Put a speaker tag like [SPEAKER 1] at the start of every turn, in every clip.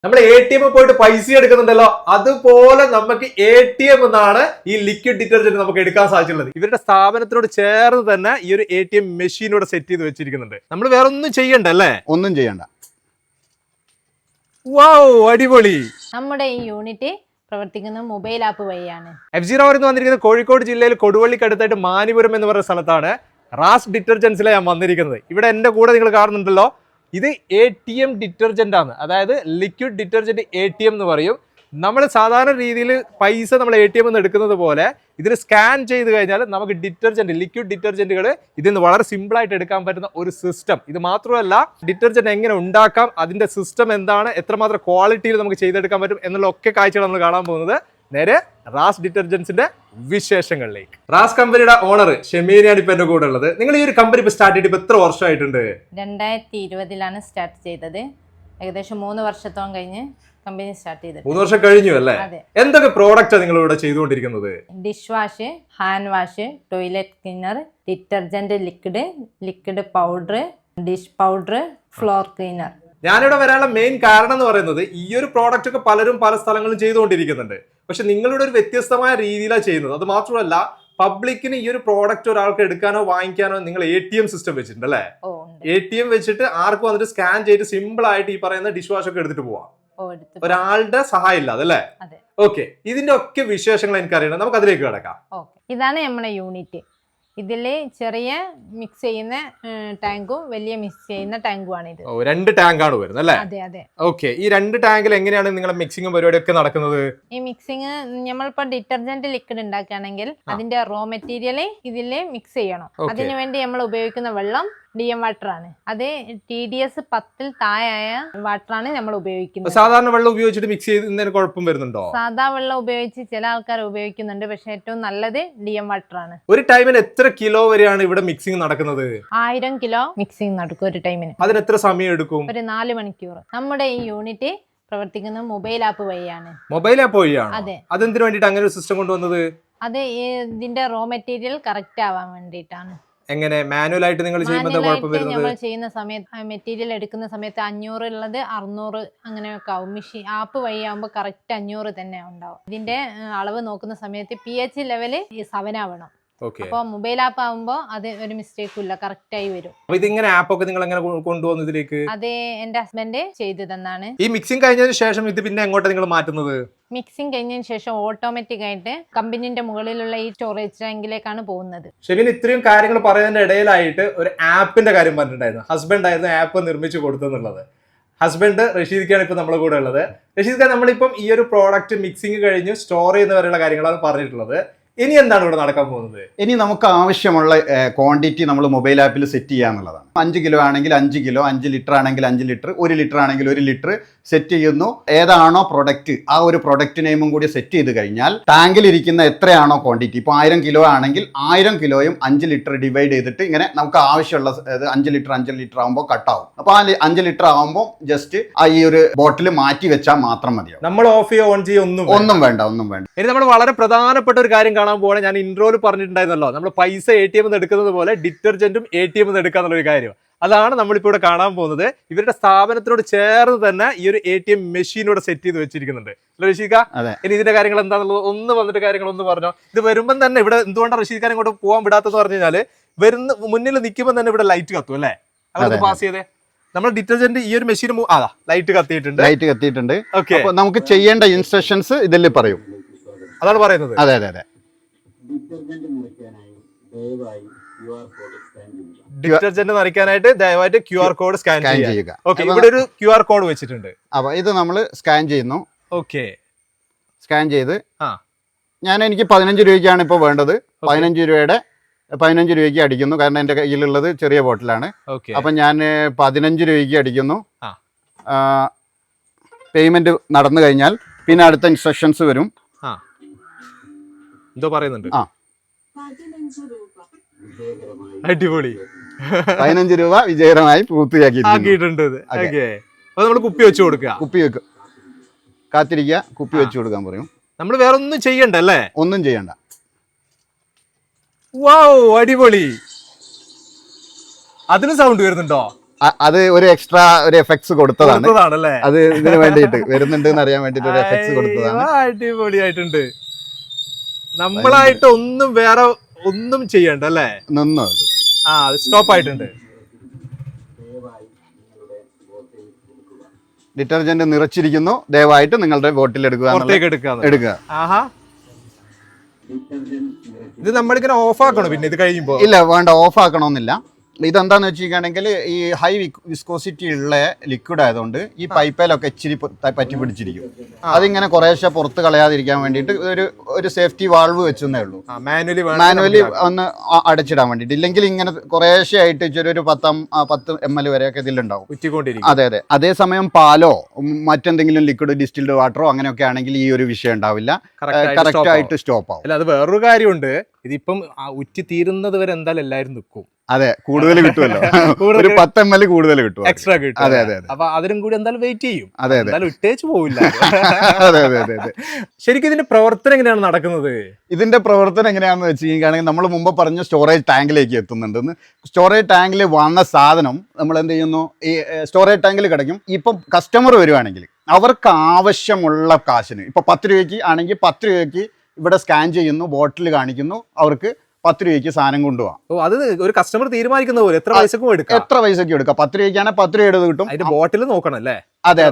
[SPEAKER 1] നമ്മൾ A T M പോയിട്ട് പൈസ എടുക്കുന്നുണ്ടല്ലോ, അതുപോലെ നമുക്ക് എ ടി എം എന്നാണ് ഈ ലിക്വിഡ് ഡിറ്റർജന്റ് നമുക്ക് എടുക്കാൻ സാധിച്ചുള്ളത്. ഇവരുടെ സ്ഥാപനത്തിനോട് ചേർന്ന് തന്നെ ഈ ഒരു എ ടി എം മെഷീനോട് സെറ്റ് ചെയ്ത് വെച്ചിരിക്കുന്നുണ്ട്. നമ്മൾ വേറെ ഒന്നും ചെയ്യണ്ടല്ലേ?
[SPEAKER 2] ഒന്നും ചെയ്യണ്ട.
[SPEAKER 1] വൗ, അടിപൊളി.
[SPEAKER 3] നമ്മുടെ ഈ യൂണിറ്റ് പ്രവർത്തിക്കുന്ന മൊബൈൽ ആപ്പ് വഴിയാണ്.
[SPEAKER 1] F0 എന്ന് വന്നിരിക്കുന്നത് കോഴിക്കോട് ജില്ലയിൽ കൊടുവള്ളിക്കടുത്തായിട്ട് മാനിപുരം എന്ന് പറയുന്ന സ്ഥലത്താണ്. റാസ് ഡിറ്റർജൻസിലെ ഞാൻ വന്നിരിക്കുന്നത്. ഇവിടെ എന്റെ കൂടെ നിങ്ങൾ കാണുന്നുണ്ടല്ലോ, ഇത് എ ടി എം ഡിറ്റർജന്റ് ആണ്. അതായത് liquid detergent A T M എന്ന് പറയും. നമ്മൾ സാധാരണ രീതിയിൽ പൈസ നമ്മൾ എ ടി എം എന്ന് എടുക്കുന്നത് പോലെ ഇതിൽ സ്കാൻ ചെയ്ത് കഴിഞ്ഞാൽ നമുക്ക് ഡിറ്റർജന്റ്, ലിക്വിഡ് ഡിറ്റർജന്റുകൾ ഇതിൽ നിന്ന് വളരെ സിമ്പിൾ ആയിട്ട് എടുക്കാൻ പറ്റുന്ന ഒരു സിസ്റ്റം. ഇത് മാത്രമല്ല, ഡിറ്റർജന്റ് എങ്ങനെ ഉണ്ടാക്കാം, അതിന്റെ സിസ്റ്റം എന്താണ്, എത്രമാത്രം ക്വാളിറ്റിയിൽ നമുക്ക് ചെയ്തെടുക്കാൻ പറ്റും എന്നുള്ള ഒക്കെ കാഴ്ചകൾ നമ്മൾ കാണാൻ പോകുന്നത്. നേരെ റാസ് ഡിറ്റർജൻസിന്റെ വിശേഷങ്ങളിലേക്ക്. റാസ് കമ്പനിയുടെ ഓണർ ഷെമീനയാണ് ഇപ്പൊ എന്റെ കൂടെ ഉള്ളത്. നിങ്ങൾ ഈ ഒരു കമ്പനി ഇപ്പൊ സ്റ്റാർട്ട് ചെയ്തിട്ട് എത്ര വർഷമായിട്ടുണ്ട്?
[SPEAKER 3] 2020 സ്റ്റാർട്ട് ചെയ്തത്. ഏകദേശം 3 വർഷത്തോളം കഴിഞ്ഞ് കമ്പനി സ്റ്റാർട്ട് ചെയ്തത്.
[SPEAKER 1] 3 വർഷം കഴിഞ്ഞു അല്ലേ? എന്തൊക്കെ പ്രോഡക്റ്റ് നിങ്ങൾ ഇവിടെ ചെയ്തുകൊണ്ടിരിക്കുന്നത്?
[SPEAKER 3] Dish wash, hand wash, toilet cleaner, detergent liquid powder, dish powder, floor cleaner.
[SPEAKER 1] ഞാനിവിടെ വരാനുള്ള മെയിൻ കാരണം എന്ന് പറയുന്നത്, ഈ ഒരു പ്രോഡക്റ്റ് ഒക്കെ പലരും പല സ്ഥലങ്ങളിലും ചെയ്തുകൊണ്ടിരിക്കുന്നുണ്ട്. പക്ഷെ നിങ്ങളുടെ ഒരു വ്യത്യസ്തമായ രീതിയിലാണ് ചെയ്യുന്നത്. അത് മാത്രമല്ല, പബ്ലിക്കിന് ഈ ഒരു പ്രോഡക്റ്റ് ഒരാൾക്ക് എടുക്കാനോ വാങ്ങിക്കാനോ നിങ്ങൾ എ ടി എം സിസ്റ്റം വെച്ചിട്ടുണ്ട് അല്ലേ? എ ടി എം വെച്ചിട്ട് ആർക്ക് വന്നിട്ട് സ്കാൻ ചെയ്ത് സിമ്പിൾ ആയിട്ട് ഈ പറയുന്ന ഡിഷ് വാഷ് ഒക്കെ എടുത്തിട്ട് പോവാം, ഒരാളുടെ സഹായം ഇല്ലാതെ അല്ലേ? ഓക്കെ, ഇതിന്റെ ഒക്കെ വിശേഷങ്ങൾ എനിക്കറിയണം. നമുക്ക് അതിലേക്ക് കിടക്കാം.
[SPEAKER 3] ഇതാണ് നമ്മുടെ യൂണിറ്റ്. ഇതില് ചെറിയ മിക്സ് ചെയ്യുന്ന ടാങ്കും വലിയ മിക്സ് ചെയ്യുന്ന ടാങ്കും ആണ് ഇത്.
[SPEAKER 1] 2 ടാങ്കാണ് വരുന്നത് അല്ലേ?
[SPEAKER 3] അതെ അതെ.
[SPEAKER 1] ഓക്കെ, ഈ 2 ടാങ്കിൽ എങ്ങനെയാണ് നിങ്ങളുടെ മിക്സിംഗും പരിപാടിയൊക്കെ നടക്കുന്നത്?
[SPEAKER 3] ഈ മിക്സിങ് നമ്മളിപ്പോ ഡിറ്റർജന്റ് ലിക്വിഡ് ഉണ്ടാക്കുകയാണെങ്കിൽ അതിന്റെ റോ മെറ്റീരിയൽ ഇതില് മിക്സ് ചെയ്യണം. അതിനുവേണ്ടി നമ്മൾ ഉപയോഗിക്കുന്ന വെള്ളം DM വാട്ടർ ആണ്. അത് TDS 10 താഴെയായ വാട്ടർ ആണ് നമ്മൾ ഉപയോഗിക്കുന്നത്.
[SPEAKER 1] സാധാരണ വെള്ളം ഉപയോഗിച്ചിട്ട് മിക്സ് ചെയ്യുന്നതിന് കുഴപ്പം വരുന്നുണ്ടോ?
[SPEAKER 3] സാധാ വെള്ളം ഉപയോഗിച്ച് ചില ആൾക്കാർ ഉപയോഗിക്കുന്നുണ്ട്, പക്ഷെ ഏറ്റവും നല്ലത് DM വാട്ടർ ആണ്.
[SPEAKER 1] ഒരു ടൈമിന് എത്ര കിലോ വരെയാണ് ഇവിടെ മിക്സിംഗ് നടക്കുന്നത്?
[SPEAKER 3] 1000 കിലോ മിക്സിംഗ് നടക്കും ഒരു ടൈമിന്.
[SPEAKER 1] അതിന് എത്ര സമയം എടുക്കും?
[SPEAKER 3] ഒരു 4 മണിക്കൂർ. നമ്മുടെ ഈ യൂണിറ്റ് പ്രവർത്തിക്കുന്ന മൊബൈൽ ആപ്പ് വഴിയാണ്.
[SPEAKER 1] മൊബൈൽ ആപ്പ് വഴിയാണ്?
[SPEAKER 3] അതെ.
[SPEAKER 1] അതെന്തിനു വേണ്ടിട്ട് അങ്ങനെ ഒരു സിസ്റ്റം കൊണ്ടുവന്നത്?
[SPEAKER 3] അത് ഇതിന്റെ റോ മെറ്റീരിയൽ കറക്റ്റ് ആവാൻ വേണ്ടിയിട്ടാണ്.
[SPEAKER 1] എങ്ങനെ മാനുവൽ ആയിട്ട് നിങ്ങൾ ചെയ്യുമ്പോൾ
[SPEAKER 3] നമ്മൾ ചെയ്യുന്ന സമയത്ത് മെറ്റീരിയൽ എടുക്കുന്ന സമയത്ത് 500 ഉള്ളത് 600 അങ്ങനെയൊക്കെ ആവും. മെഷീൻ ആപ്പ് വഴി ആവുമ്പോൾ കറക്റ്റ് 500 തന്നെ ഉണ്ടാവും. ഇതിന്റെ അളവ് നോക്കുന്ന സമയത്ത് pH ലെവല് 7 ആവണം. അപ്പൊ മൊബൈൽ ആപ്പ് ആവുമ്പോ അത് ഒരു മിസ്റ്റേക്കും ഇല്ല, കറക്റ്റ് ആയി വരും.
[SPEAKER 1] ഇതിങ്ങനെ ആപ്പ് ഒക്കെ നിങ്ങൾ എങ്ങനെ കൊണ്ടുവന്നു ഇതിലേക്ക്?
[SPEAKER 3] അത് എന്റെ ഹസ്ബൻഡ് ചെയ്തു തന്നാണ്.
[SPEAKER 1] ഈ മിക്സിംഗ് കഴിഞ്ഞതിന് ശേഷം ഇത് പിന്നെ എങ്ങോട്ടാണ് നിങ്ങൾ മാറ്റുന്നത്?
[SPEAKER 3] മിക്സിംഗ് കഴിഞ്ഞതിന് ശേഷം ഓട്ടോമാറ്റിക് ആയിട്ട് കമ്പനിന്റെ മുകളിലുള്ള ഈ സ്റ്റോറേജ് ടാങ്കിലേക്കാണ് പോകുന്നത്.
[SPEAKER 1] ഷെമീൻ ഇത്രയും കാര്യങ്ങൾ പറയുന്നതിന്റെ ഇടയിലായിട്ട് ഒരു ആപ്പിന്റെ കാര്യം പറഞ്ഞിട്ടുണ്ടായിരുന്നു. ഹസ്ബൻഡ് ആയിരുന്നു ആപ്പ് നിർമ്മിച്ചു കൊടുത്തെന്നുള്ളത്. ഹസ്ബൻഡ് റഷീദ്ക്കാണ് ഇപ്പൊ നമ്മളെ കൂടെ ഉള്ളത്. റഷീദ്, നമ്മളിപ്പം ഈ ഒരു പ്രോഡക്റ്റ് മിക്സിംഗ് കഴിഞ്ഞ് സ്റ്റോർ ചെയ്യുന്ന വരെയുള്ള കാര്യങ്ങളാണ് പറഞ്ഞിട്ടുള്ളത്. ഇനി എന്താണ് ഇവിടെ നടക്കാൻ പോകുന്നത്?
[SPEAKER 2] ഇനി നമുക്ക് ആവശ്യമുള്ള ക്വാണ്ടിറ്റി നമ്മൾ മൊബൈൽ ആപ്പിൽ സെറ്റ് ചെയ്യുക എന്നുള്ളതാണ്. 5 കിലോ ആണെങ്കിൽ 5 കിലോ, 5 ലിറ്റർ ആണെങ്കിൽ 5 ലിറ്റർ, 1 ലിറ്റർ ആണെങ്കിൽ 1 ലിറ്റർ സെറ്റ് ചെയ്യുന്നു. ഏതാണോ പ്രൊഡക്റ്റ്, ആ ഒരു പ്രൊഡക്റ്റ് നെയിമും കൂടി സെറ്റ് ചെയ്ത് കഴിഞ്ഞാൽ ടാങ്കിൽ ഇരിക്കുന്ന എത്രയാണോ ക്വാണ്ടിറ്റി, ഇപ്പോൾ 1000 കിലോ ആണെങ്കിൽ 1000 കിലോയും 5 ലിറ്റർ ഡിവൈഡ് ചെയ്തിട്ട് ഇങ്ങനെ നമുക്ക് ആവശ്യമുള്ള 5 ലിറ്റർ ആകുമ്പോൾ കട്ടാവും. അപ്പോൾ ആ 5 ലിറ്റർ ആകുമ്പോൾ ജസ്റ്റ് ആ ഈ ഒരു ബോട്ടിൽ മാറ്റി വെച്ചാൽ മാത്രം മതിയാവും.
[SPEAKER 1] നമ്മൾ ഓഫ് ചെയ്യോ ഓൺ ചെയ്യോ ഒന്നും
[SPEAKER 2] വേണ്ട.
[SPEAKER 1] ഇനി നമ്മൾ വളരെ പ്രധാനപ്പെട്ട ഒരു കാര്യം കാണാൻ പോകണേ. ഞാൻ ഇൻട്രോയിൽ പറഞ്ഞിട്ടുണ്ടായിരുന്നല്ലോ, നമ്മൾ പൈസ എ ടി എം എടുക്കുന്നത് പോലെ ഡിറ്റർജന്റും എ ടി എം എടുക്കാന്നുള്ളൊരു കാര്യം. അതാണ് നമ്മളിപ്പോൾ ഇവിടെ കാണാൻ പോകുന്നത്. ഇവരുടെ സ്ഥാപനത്തിനോട് ചേർന്ന് തന്നെ ഈ ഒരു എ ടി എം മെഷീനോട് സെറ്റ് ചെയ്ത് വെച്ചിരിക്കുന്നുണ്ട്. റഷീദ്, ഇനി ഇതിന്റെ കാര്യങ്ങൾ എന്താണെന്നുള്ളത് ഒന്ന് വന്നിട്ട് കാര്യങ്ങൾ ഒന്ന് പറഞ്ഞോ. ഇത് വരുമ്പം തന്നെ ഇവിടെ എന്തുകൊണ്ടാണ് റഷീദ് ഇങ്ങോട്ട് പോകാൻ വിടാത്തത് പറഞ്ഞു കഴിഞ്ഞാൽ, മുന്നിൽ നിൽക്കുമ്പോൾ തന്നെ ഇവിടെ ലൈറ്റ് കത്തും അല്ലേ? അത് പാസ് ചെയ്തേ. നമ്മൾ ഡിറ്റർജന്റ് ഈ ഒരു മെഷീൻ ലൈറ്റ് കത്തിയിട്ടുണ്ട്.
[SPEAKER 2] നമുക്ക് ചെയ്യേണ്ട ഇൻസ്ട്രക്ഷൻസ് ഇതിൽ പറയും.
[SPEAKER 1] അതാണ് പറയുന്നത്.
[SPEAKER 2] അതെ.
[SPEAKER 1] ഡിറ്റർജന്റ് നിറയ്ക്കാനായിട്ട് ദയവായിട്ട് QR കോഡ് സ്കാൻ ചെയ്യുക. ഓക്കെ, ഇവിടെ ഒരു QR കോഡ് വെച്ചിട്ടുണ്ട്.
[SPEAKER 2] അപ്പൊ ഇത് നമ്മൾ സ്കാൻ ചെയ്യുന്നു.
[SPEAKER 1] ഓക്കെ,
[SPEAKER 2] സ്കാൻ ചെയ്ത് എനിക്ക് 15 രൂപയ്ക്കാണ് ഇപ്പോൾ വേണ്ടത്. 15 രൂപയ്ക്ക് അടിക്കുന്നു. കാരണം എൻ്റെ കയ്യിലുള്ളത് ചെറിയ ബോട്ടിലാണ്. അപ്പൊ ഞാൻ 15 രൂപയ്ക്ക് അടിക്കുന്നു. പേയ്മെന്റ് നടന്നു കഴിഞ്ഞാൽ പിന്നെ അടുത്ത ഇൻസ്ട്രക്ഷൻസ് വരും.
[SPEAKER 1] എന്തോ പറയുന്നുണ്ട്. അടിപൊളി.
[SPEAKER 2] 15 രൂപ വിജയകരമായി പൂർത്തിയാക്കിയിട്ടുണ്ട്.
[SPEAKER 1] നമ്മൾ കുപ്പി വെച്ച് കൊടുക്കുക.
[SPEAKER 2] കുപ്പി വെക്കും, കാത്തിരിക്കുക, കുപ്പി വെച്ച് കൊടുക്കാൻ പറയും.
[SPEAKER 1] നമ്മൾ വേറെ ഒന്നും ചെയ്യണ്ടല്ലേ?
[SPEAKER 2] ഒന്നും ചെയ്യണ്ട.
[SPEAKER 1] വൗ, അടിപൊളി. അതിന് സൗണ്ട് വരുന്നുണ്ടോ?
[SPEAKER 2] അത് ഒരു എക്സ്ട്രാ ഒരു എഫക്ട്സ് കൊടുത്തതാണ്.
[SPEAKER 1] കൊടുത്തതാണല്ലേ?
[SPEAKER 2] അത് ഇതിന് വേണ്ടിയിട്ട് വരുന്നുണ്ട് എന്ന് അറിയാൻ വേണ്ടിട്ട് ഒരു എഫക്ട്സ് കൊടുത്തതാണ്.
[SPEAKER 1] അടിപൊളിയായിട്ടുണ്ട്. നമ്മളായിട്ട് ഒന്നും വേറെ ഒന്നും ചെയ്യണ്ട അല്ലേ?
[SPEAKER 2] നിന്നു
[SPEAKER 1] സ്റ്റോപ്പ് ആയിട്ടുണ്ട്.
[SPEAKER 2] ഡിറ്റർജന്റ് നിറച്ചിരിക്കുന്നു, ദയവായിട്ട് നിങ്ങളുടെ ബോട്ടിൽ എടുക്കുക.
[SPEAKER 1] ആഹാ, ഇത് നമ്മളിങ്ങനെ ഓഫ് ആക്കണോ പിന്നെ ഇത് കഴിയുമ്പോ?
[SPEAKER 2] ഇല്ല, വേണ്ട, ഓഫ് ആക്കണമെന്നില്ല. ഇതെന്താന്ന് വെച്ചിരിക്കുകയാണെങ്കിൽ ഈ ഹൈ വിസ്കോസിറ്റി ഉള്ള ലിക്വിഡ് ആയതുകൊണ്ട് ഈ പൈപ്പിലൊക്കെ ഇച്ചിരി പറ്റി പിടിച്ചിരിക്കും. അതിങ്ങനെ കുറേശ്ശെ പുറത്ത് കളയാതിരിക്കാൻ വേണ്ടിയിട്ട് ഒരു സേഫ്റ്റി വാൾവ് വെച്ചെന്നേ ഉള്ളൂ. മാനുവലി ഒന്ന് അടച്ചിടാൻ വേണ്ടിയിട്ട്. ഇല്ലെങ്കിൽ ഇങ്ങനെ കുറേശ്ശെ ആയിട്ട് ഇച്ചിരി ഒരു 10 ml വരെയൊക്കെ ഇതിലുണ്ടാവും. അതെ. അതേസമയം പാലോ മറ്റെന്തെങ്കിലും ലിക്വിഡ് ഡിസ്റ്റിൽഡ് വാട്ടറോ അങ്ങനെയൊക്കെ ആണെങ്കിൽ ഈ ഒരു വിഷയം ഉണ്ടാവില്ല, കറക്റ്റ് ആയിട്ട് സ്റ്റോപ്പ് ആവും.
[SPEAKER 1] അല്ല, അത് വേറൊരു കാര്യമുണ്ട്, ഇതിപ്പം ഉറ്റി തീരുന്നത് വരെ എന്തായാലും എല്ലാവരും നിൽക്കും.
[SPEAKER 2] അതെ, കൂടുതൽ കിട്ടുമല്ലോ. ഒരു 10 ml കൂടുതൽ കിട്ടും,
[SPEAKER 1] എക്സ്ട്രാ കിട്ടും. അതെ. അപ്പൊ അതിനും കൂടി എന്തായാലും വെയിറ്റ് ചെയ്യും.
[SPEAKER 2] അതെ.
[SPEAKER 1] ഇട്ടേച്ച് പോവില്ല.
[SPEAKER 2] അതെ.
[SPEAKER 1] ശരിക്കും ഇതിന്റെ പ്രവർത്തനം എങ്ങനെയാണ് നടക്കുന്നത്?
[SPEAKER 2] ഇതിന്റെ പ്രവർത്തനം എങ്ങനെയാണെന്ന് വെച്ച് കഴിഞ്ഞാൽ നമ്മൾ മുമ്പ് പറഞ്ഞ സ്റ്റോറേജ് ടാങ്കിലേക്ക് എത്തുന്നുണ്ടെന്ന്. സ്റ്റോറേജ് ടാങ്കിൽ വന്ന സാധനം നമ്മൾ എന്ത് ചെയ്യുന്നു, ഈ സ്റ്റോറേജ് ടാങ്കിൽ കിടക്കും. ഇപ്പം കസ്റ്റമർ വരുവാണെങ്കിൽ അവർക്ക് ആവശ്യമുള്ള കാശിന്, ഇപ്പൊ 10 രൂപയ്ക്ക് ആണെങ്കിൽ 10 രൂപയ്ക്ക് ഇവിടെ സ്കാൻ ചെയ്യുന്നു, ബോട്ടിൽ കാണിക്കുന്നു, അവർക്ക് 10 രൂപയ്ക്ക് സാധനം കൊണ്ടുപോകാം.
[SPEAKER 1] അത് ഒരു കസ്റ്റമർ തീരുമാനിക്കുന്ന പോലെ എത്ര പൈസക്കും എടുക്കാം. 10 രൂപയ്ക്കാണെങ്കിൽ 10 രൂപയുടെ കിട്ടും. അതിന്റെ ബോട്ടിൽ നോക്കണം അല്ലേ? അതെ.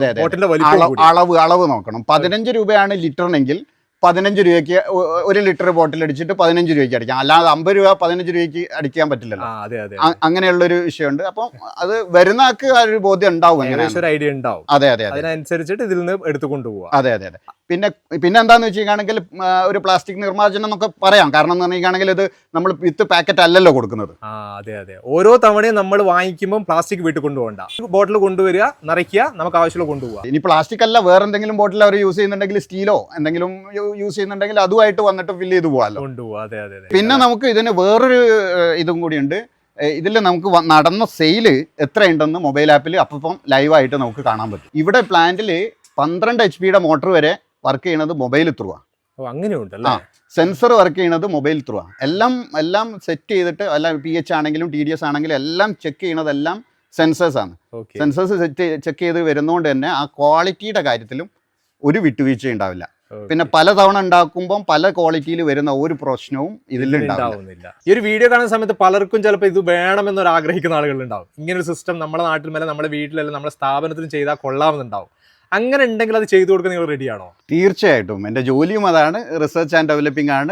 [SPEAKER 1] അളവ് നോക്കണം. 15 രൂപയാണ് ലിറ്ററിനെങ്കിൽ 15 രൂപയ്ക്ക് 1 ലിറ്റർ ബോട്ടിൽ അടിച്ചിട്ട് 15 രൂപയ്ക്ക് അടിക്കാം. അല്ലാതെ 50 രൂപ 15 രൂപയ്ക്ക് അടിക്കാൻ പറ്റില്ലല്ലോ. അങ്ങനെയുള്ളൊരു വിഷയമുണ്ട്. അപ്പം അത് വരുന്ന ആൾക്ക് ആ ഒരു ബോധ്യം ഉണ്ടാവും, ഐഡിയ ഉണ്ടാവും.
[SPEAKER 2] അതെ.
[SPEAKER 1] അതിനനുസരിച്ചിട്ട് ഇതിൽ നിന്ന് എടുത്തു കൊണ്ടുപോകാം.
[SPEAKER 2] അതെ. പിന്നെ എന്താന്ന് വെച്ചിരിക്കുകയാണെങ്കിൽ ഒരു പ്ലാസ്റ്റിക് നിർമ്മാർജ്ജനം എന്നൊക്കെ പറയാം. കാരണം എന്ന് പറഞ്ഞിരിക്കുകയാണെങ്കിൽ ഇത് നമ്മൾ വിത്ത് പാക്കറ്റ് അല്ലല്ലോ കൊടുക്കുന്നത്.
[SPEAKER 1] അതെ. ഓരോ തവണയും നമ്മൾ വാങ്ങിക്കുമ്പോൾ പ്ലാസ്റ്റിക് വീട്ടിൽ കൊണ്ടുപോകണ്ട, ബോട്ടിൽ കൊണ്ടുവരിക, നിറയ്ക്കുക, നമുക്ക് ആവശ്യമുള്ള കൊണ്ടുപോകാം.
[SPEAKER 2] ഇനി പ്ലാസ്റ്റിക് അല്ല വേറെ എന്തെങ്കിലും ബോട്ടിൽ അവർ യൂസ് ചെയ്യുന്നുണ്ടെങ്കിൽ സ്റ്റീലോ എന്തെങ്കിലും യൂസ് ചെയ്യുന്നുണ്ടെങ്കിൽ അതുമായിട്ട് വന്നിട്ട് ഫില്ല് ചെയ്ത് പോകാമല്ലോ. പിന്നെ നമുക്ക് ഇതിന് വേറൊരു ഇതും കൂടിയുണ്ട്. ഇതിൽ നമുക്ക് നടന്ന സെയില് എത്രയുണ്ടെന്ന് മൊബൈൽ ആപ്പിൽ അപ്പം ലൈവായിട്ട് നമുക്ക് കാണാൻ പറ്റും. ഇവിടെ പ്ലാന്റിൽ 12 HP മോട്ടർ വരെ വർക്ക് ചെയ്യുന്നത് മൊബൈൽ ത്രൂ ആണ്.
[SPEAKER 1] അങ്ങനെയുണ്ടല്ലോ.
[SPEAKER 2] സെൻസർ വർക്ക് ചെയ്യുന്നത് മൊബൈൽ ത്രൂ ആണ്. എല്ലാം സെറ്റ് ചെയ്തിട്ട്, എല്ലാം pH ആണെങ്കിലും TDS ആണെങ്കിലും എല്ലാം ചെക്ക് ചെയ്യുന്നതെല്ലാം സെൻസേഴ്സ് ആണ്. സെൻസേഴ്സ് ചെക്ക് ചെയ്ത് വരുന്നതുകൊണ്ട് തന്നെ ആ ക്വാളിറ്റിയുടെ കാര്യത്തിലും ഒരു വിട്ടുവീഴ്ച ഉണ്ടാവില്ല. പിന്നെ പലതവണ ഉണ്ടാക്കുമ്പോൾ പല ക്വാളിറ്റിയിൽ വരുന്ന ഒരു പ്രശ്നവും ഇതിൽ ഉണ്ടാവുന്നില്ല.
[SPEAKER 1] ഈ ഒരു വീഡിയോ കാണുന്ന സമയത്ത് പലർക്കും ചിലപ്പോൾ ഇത് വേണമെന്നൊരു ആഗ്രഹിക്കുന്ന ആളുകളുണ്ടാവും. ഇങ്ങനൊരു സിസ്റ്റം നമ്മുടെ നാട്ടിൽ മേലെ, നമ്മുടെ വീട്ടിലല്ല, നമ്മുടെ സ്ഥാപനത്തിലും ചെയ്താൽ കൊള്ളാമെന്നുണ്ടാവും. അങ്ങനെ ഉണ്ടെങ്കിൽ അത് ചെയ്തു കൊടുക്കാൻ നിങ്ങൾ റെഡിയാണോ?
[SPEAKER 2] തീർച്ചയായിട്ടും. എൻ്റെ ജോലിയും അതാണ്, റിസർച്ച് ആൻഡ് ഡെവലപ്പിംഗ് ആണ്.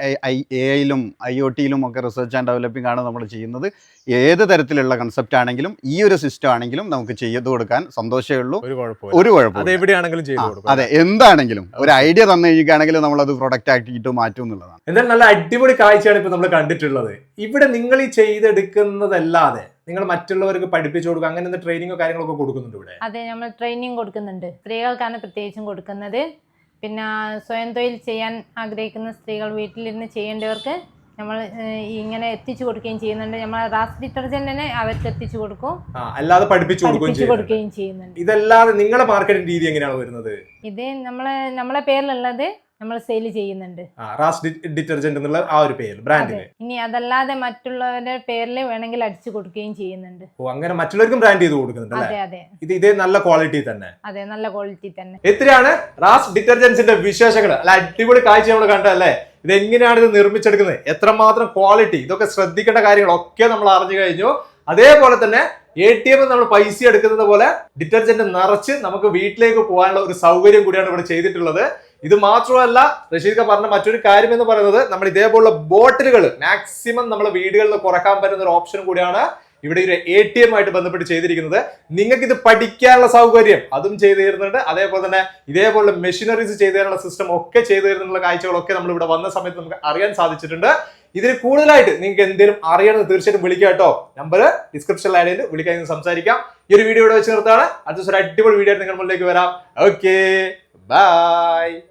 [SPEAKER 2] AI-യിലും IoT-യിലും ഒക്കെ റിസർച്ച് ആൻഡ് ഡെവലപ്പിംഗ് ആണ് നമ്മൾ ചെയ്യുന്നത്. ഏത് തരത്തിലുള്ള കൺസെപ്റ്റ് ആണെങ്കിലും ഈ ഒരു സിസ്റ്റം ആണെങ്കിലും നമുക്ക് ചെയ്തു കൊടുക്കാൻ സന്തോഷമേ ഉള്ളൂ. ഒരു കുഴപ്പമില്ല.
[SPEAKER 1] എവിടെയാണെങ്കിലും ചെയ്തു കൊടുക്കും.
[SPEAKER 2] അതെ, എന്താണെങ്കിലും ഒരു ഐഡിയ തന്നു കഴിയുകയാണെങ്കിൽ നമ്മളത് പ്രൊഡക്റ്റ് ആക്കിയിട്ട് മാറ്റും എന്നുള്ളതാണ്.
[SPEAKER 1] എന്തായാലും നല്ല അടിപൊളി കാഴ്ചയാണ് ഇപ്പോൾ നമ്മൾ കണ്ടിട്ടുള്ളത്. ഇവിടെ നിങ്ങൾ ഈ ചെയ്തെടുക്കുന്നതല്ലാതെ നിങ്ങൾ മറ്റുള്ളവർക്ക് പഠിപ്പിച്ചു കൊടുക്കുക, അങ്ങനെ ട്രെയിനിങ്ങോ കാര്യങ്ങളൊക്കെ കൊടുക്കുന്നുണ്ട് ഇവിടെ?
[SPEAKER 3] അതെ, നമ്മൾ ട്രെയിനിങ് കൊടുക്കുന്നുണ്ട്. സ്ത്രീകൾക്കാണ് പ്രത്യേകിച്ചും കൊടുക്കുന്നത്. പിന്നെ സ്വയം തൊഴിൽ ചെയ്യാൻ ആഗ്രഹിക്കുന്ന സ്ത്രീകൾ, വീട്ടിലിരുന്ന് ചെയ്യേണ്ടവർക്ക് നമ്മൾ ഇങ്ങനെ എത്തിച്ചു കൊടുക്കുകയും ചെയ്യുന്നുണ്ട്. നമ്മൾ റാസ് ഡിറ്റർജന്റിനെ അവർക്ക് എത്തിച്ചു കൊടുക്കും,
[SPEAKER 1] അല്ലാതെ പഠിപ്പിച്ചു കൊടുക്കുകയും ചെയ്യുന്നുണ്ട്. ഇതല്ലാതെ നിങ്ങളുടെ മാർക്കറ്റിംഗ് രീതി എങ്ങനെയാണ് വരുന്നത്?
[SPEAKER 3] ഇത് നമ്മളെ പേരിലുള്ളത് നമ്മൾ സെയിൽ ചെയ്യുന്നുണ്ട്,
[SPEAKER 1] റാസ് ഡിറ്റർജന്റ് എന്നുള്ള ആ ഒരു പേര് ബ്രാൻഡിന്.
[SPEAKER 3] ഇനി അതല്ലാതെ മറ്റുള്ളവരുടെ പേരിൽ വേണമെങ്കിൽ അടിച്ചു കൊടുക്കുകയും ചെയ്യുന്നുണ്ട്.
[SPEAKER 1] അങ്ങനെ മറ്റുള്ളവർക്കും ബ്രാൻഡ് ചെയ്ത് കൊടുക്കുന്നുണ്ട്.
[SPEAKER 3] അതെ.
[SPEAKER 1] ഇതേ നല്ല ക്വാളിറ്റി തന്നെ.
[SPEAKER 3] അതെ, നല്ല ക്വാളിറ്റി തന്നെ.
[SPEAKER 1] എത്രയാണ് റാസ് ഡിറ്റർജന്റ്സിന്റെ വിശേഷങ്ങൾ? അല്ല, അടിപൊളി കാഴ്ച നമ്മൾ കണ്ടല്ലേ. ഇതെങ്ങനെയാണ് ഇത് നിർമ്മിച്ചെടുക്കുന്നത്, എത്രമാത്രം ക്വാളിറ്റി, ഇതൊക്കെ ശ്രദ്ധിക്കേണ്ട കാര്യങ്ങളൊക്കെ നമ്മൾ അറിഞ്ഞു കഴിഞ്ഞു. അതേപോലെ തന്നെ ATM നമ്മൾ പൈസ എടുക്കുന്നത് പോലെ ഡിറ്റർജന്റ് നിറച്ച് നമുക്ക് വീട്ടിലേക്ക് പോകാനുള്ള ഒരു സൗകര്യം കൂടിയാണ് ഇവിടെ ചെയ്തിട്ടുള്ളത്. ഇത് മാത്രമല്ല, റഷീദ് പറഞ്ഞ മറ്റൊരു കാര്യം എന്ന് പറയുന്നത്, നമ്മൾ ഇതേപോലുള്ള ബോട്ടിലുകൾ മാക്സിമം നമ്മളെ വീടുകളിൽ കുറക്കാൻ പറ്റുന്ന ഒരു ഓപ്ഷൻ കൂടിയാണ് ഇവിടെ ഒരു ATM ആയിട്ട് ബന്ധപ്പെട്ട് ചെയ്തിരിക്കുന്നത്. നിങ്ങൾക്ക് ഇത് പഠിക്കാനുള്ള സൗകര്യം അതും ചെയ്തു തരുന്നുണ്ട്. അതേപോലെ തന്നെ ഇതേപോലുള്ള മെഷീനറീസ് ചെയ്തു തരാനുള്ള സിസ്റ്റം ഒക്കെ ചെയ്തു തരുന്നുള്ള കാഴ്ചകളൊക്കെ നമ്മൾ ഇവിടെ വന്ന സമയത്ത് നമുക്ക് അറിയാൻ സാധിച്ചിട്ടുണ്ട്. ഇതിൽ കൂടുതലായിട്ട് നിങ്ങൾക്ക് എന്തെങ്കിലും അറിയണമെന്ന് തീർച്ചയായിട്ടും വിളിക്കുക കേട്ടോ. നമ്പർ ഡിസ്ക്രിപ്ഷനിൽ ആഡ് ചെയ്ത് വിളിക്കാൻ സംസാരിക്കാം. ഈ ഒരു വീഡിയോ ഇവിടെ വെച്ച് നിർത്താണ്. അടുത്ത ദിവസം ഒരു അടിപൊളി വീഡിയോ നിങ്ങൾ മുന്നിലേക്ക് വരാം. Okay, by.